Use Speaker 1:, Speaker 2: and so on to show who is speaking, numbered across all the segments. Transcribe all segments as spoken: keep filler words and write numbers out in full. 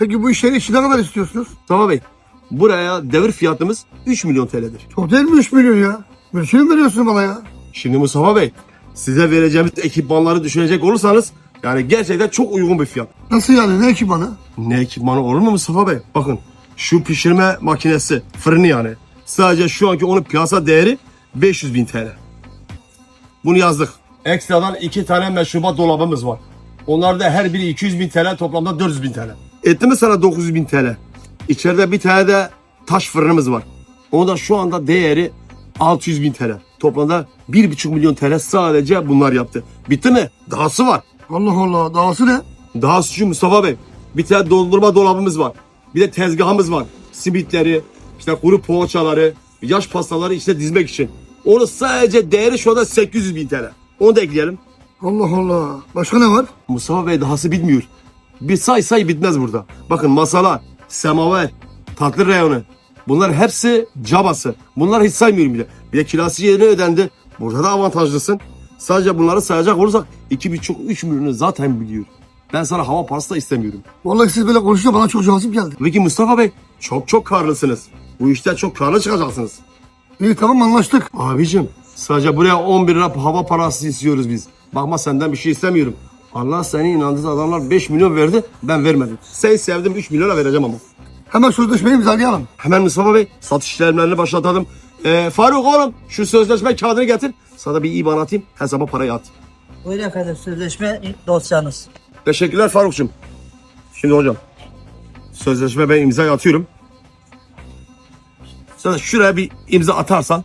Speaker 1: Peki bu işleri için ne kadar istiyorsunuz?
Speaker 2: Tamam Bey. Buraya devir fiyatımız üç milyon T L'dir.
Speaker 1: Çok değil mi üç milyon ya? Mülkünü mü veriyorsun bana ya?
Speaker 2: Şimdi Mustafa Bey, size vereceğimiz ekipmanları düşünecek olursanız yani gerçekten çok uygun bir fiyat.
Speaker 1: Nasıl yani, ne ekipmanı?
Speaker 2: Ne ekipmanı olur mu Mustafa Bey? Bakın şu pişirme makinesi, fırını yani. Sadece şu anki onun piyasa değeri beş yüz bin T L. Bunu yazdık. Ekstradan iki tane meşrubat dolabımız var. Onlar da her biri iki yüz bin T L, toplamda dört yüz bin T L. Etti mi sana dokuz yüz bin T L? İçeride bir tane de taş fırınımız var. Onun da şu anda değeri altı yüz bin T L. Toplamda bir buçuk milyon T L sadece bunlar yaptı. Bitti mi? Dahası var.
Speaker 1: Allah Allah, dahası ne?
Speaker 2: Dahası şu Mustafa Bey. Bir tane dondurma dolabımız var. Bir de tezgahımız var. Simitleri, işte kuru poğaçaları, yaş pastaları işte dizmek için. Onun sadece değeri şu anda sekiz yüz bin T L. Onu da ekleyelim.
Speaker 1: Allah Allah. Başka ne var?
Speaker 2: Mustafa Bey dahası bitmiyor. Bir say say bitmez burada. Bakın masalar, semaver, tatlı reyonu. Bunlar hepsi cabası. Bunlar hiç saymıyorum bile. Bir de kirası yerine ödendi. Burada da avantajlısın. Sadece bunları sayacak olursak iki buçuk üç milyonu zaten biliyor. Ben sana hava parası da istemiyorum.
Speaker 1: Vallahi siz böyle konuşunca bana çok cazip geldi.
Speaker 2: Peki Mustafa Bey çok çok karlısınız. Bu işte çok karlı çıkacaksınız.
Speaker 1: İyi, tamam, anlaştık.
Speaker 2: Abicim sadece buraya on bir lira hava parası istiyoruz biz. Bakma senden bir şey istemiyorum. Allah seni inandığı adamlar beş milyon verdi, ben vermedim. Sen sevdim üç milyona vereceğim ama.
Speaker 1: Hemen sözleşmeyi imzalayalım.
Speaker 2: Hemen Mustafa Bey satış işlemlerini başlatalım. Ee, Faruk oğlum şu sözleşme kağıdını getir. Sana bir İBAN atayım, hesaba parayı at.
Speaker 3: Buyurun efendim, sözleşme dosyanız.
Speaker 2: Teşekkürler Faruk'cum. Şimdi hocam sözleşme ben imzayı atıyorum. Sen de şuraya bir imza atarsan.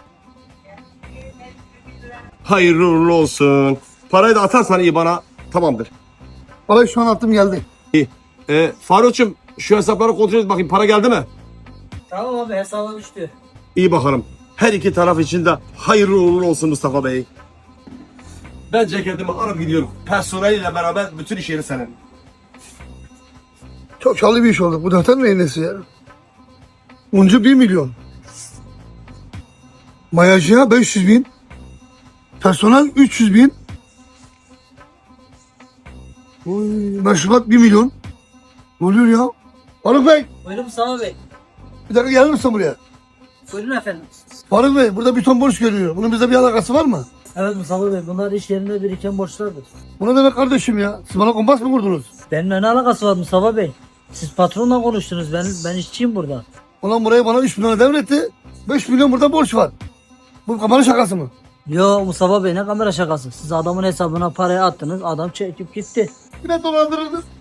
Speaker 2: Hayırlı uğurlu olsun. Parayı da atarsan iyi bana tamamdır.
Speaker 1: Vallahi şu an attım, geldi.
Speaker 2: İyi. Ee, Faruk'cum şu hesapları kontrol et bakayım, para geldi mi?
Speaker 3: Tamam abi, hesaba düştü.
Speaker 2: İyi bakalım. Her iki taraf için de hayırlı uğurlu olsun Mustafa Bey. Ben ceketimi alıp gidiyorum. Personeliyle beraber bütün iş yeri senin.
Speaker 1: Çok çalı bir iş oldu. Bu defter neyin nesi ya? Uncu bir milyon. Mayacıya beş yüz bin. Personel üç yüz bin. Oy, meşrubat bir milyon. Ne oluyor ya? Faruk Bey,
Speaker 3: Buyurun Mustafa Bey.
Speaker 1: bir dakika gelir misin buraya?
Speaker 3: Buyurun efendim.
Speaker 1: Faruk Bey, burada bir ton borç görüyor. Bunun bizde bir alakası var mı?
Speaker 3: Evet Mustafa Bey, bunlar iş yerinde biriken borçlardır.
Speaker 1: Bu ne demek kardeşim ya? Siz bana kompas mı kurdunuz?
Speaker 3: Benimle ne alakası var Mustafa Bey? Siz patronla konuştunuz, ben ben işçiyim burada.
Speaker 1: Ulan burayı bana üç milyona devretti. beş milyon burada borç var. Bu kamera şakası mı?
Speaker 3: Yo Mustafa Bey, ne kamera şakası? Siz adamın hesabına parayı attınız, adam çekip gitti.
Speaker 1: Yine dolandırıldınız.